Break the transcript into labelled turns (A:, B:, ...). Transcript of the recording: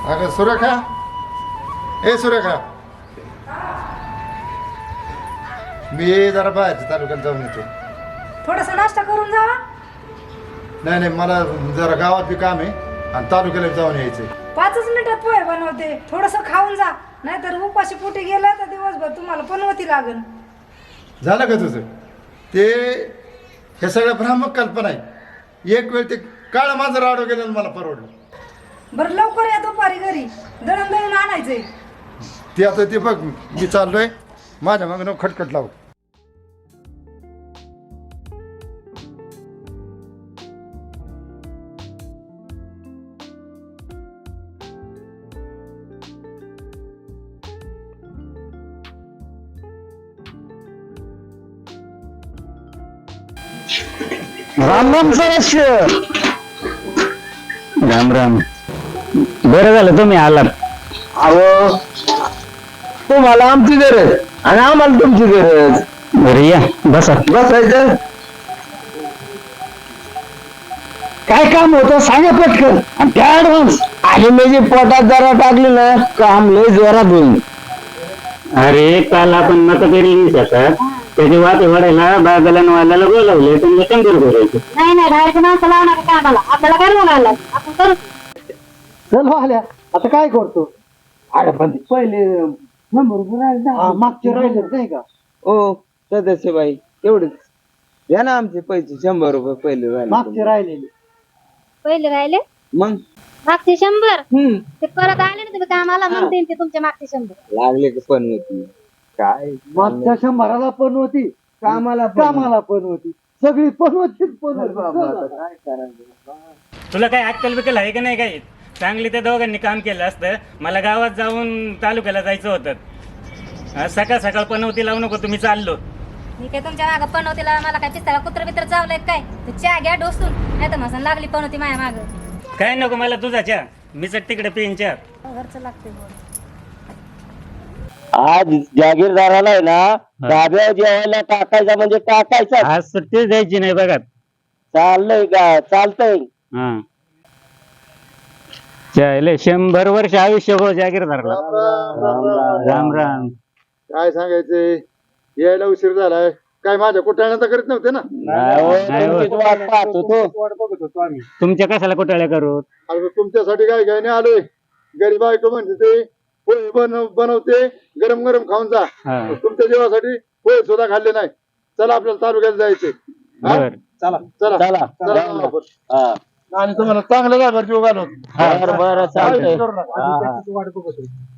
A: अगं सुरेखा, ए सुरेखा, मी जरा बाहेरच्या तालुक्यात जाऊन येतो.
B: थोडासा नाश्ता करून जावा.
A: नाही नाही, मला जरा गावात बी काम आहे आणि तालुक्याला जाऊन यायचंय.
B: 5 मिनिटात पोहे बनवते, थोडस खाऊन जा, नाहीतर उपाशी पोटी गेलं तर दिवसभर तुम्हाला पनवती लागल.
A: झालं का तुझं? ते हे सगळं भ्रामक कल्पना आहे. एक वेळ ते काळं माझं राडो गेलं मला परवडलं.
B: बरं लवकर या दुपारी घरी, दळण दळून आणायचंय.
A: ते आता ते बघ, मी चाललोय, माझ्या मागं खटखट लाव.
C: राम राम सदस्य. राम राम. बरं झालं तुम्ही आलात. अहो तुम्हाला आमची गरज आणि आम्हाला तुमची गरज. बरं या बसा. बसायचं काय काम होतं सांगा पटकन. आणि त्या ऍडव्हान्स आणि म्हणजे पोटात जरा टाकली ना काम लय जोरात होईल. अरे काल आपण मतपेरी शकत त्याची वाटे वाढायला बागाला वाल्याला बोलावले तुम्ही शंकर करायचे.
D: नाही नाही बाहेरच्या माणसं लावणार कामाला आपल्याला काय बोलायला आपण करू.
C: चल आल्या आता काय करतो. अरे पण पहिले मागचे राहिले नाही का.
E: ओ सदस्य बाई तेवढेच द्या ना आमचे पैसे 100 रुपये पहिले राहिले.
C: मागचे राहिलेले
D: पहिले राहिले
E: मग
D: मागचे 100 ते परत आले ना तुम्ही कामाला मग देईन ते तुमच्या मागचे 100.
E: लागले का पण होती काय
C: मागच्या 100ला पण होती कामाला पण होती सगळी पण होतीच पण होती.
E: काय करायचं.
F: तुला काय अक्कल बिकल आहे का नाही काही. चांगली त्या दोघांनी काम केलं असतं. मला गावात जाऊन तालुक्याला जायचं होतं. सकाळ सकाळ पनवती लावू नको तुम्ही चाललो.
D: मी काय तुमच्या मागं पनवतीला मला काय पिस्ताला कुत्र बित्र चावलंय काय ते चहा घ्या डोसून नाही तर मसन लागली पनवती माझ्या मागं.
F: काय नको मला तुझा चहा, मीच तिकडे पिईन चहा.
D: घरचं लागते
C: आज जागीरदाराला आहे ना डाब्या जेवायला टाकायचा म्हणजे टाकायचा.
F: आज सुट्टी द्यायची नाही बघा.
C: चाललंय का चालतंय.
F: हा चालेल. 100 वर्ष आयुष्य हो जागीरदारला. राम राम.
A: काय सांगायचंय, यायला उशीर झालाय. काय माझ्या कुटाण्याचा करीत नव्हते ना.
C: तुमचीच वाट पाहत होतो.
F: तुमच्या कशाला कुटाळ्या करू.
A: अरे तुमच्यासाठी काय घ्यायने आलोय. गरीब बायको म्हणते ते पोहे बनवते, गरम गरम खाऊन जा.
F: हा.
A: तुमच्या जीवासाठी पोहे सुद्धा खाल्ले नाही. चला आपल्याला तालुक्यात जायचे.
F: बर.
A: चला चला
C: चला
A: चला. आणि तुम्हाला चांगलं जागा जीव घालून.
C: बरं चालतंय.
A: करू नका.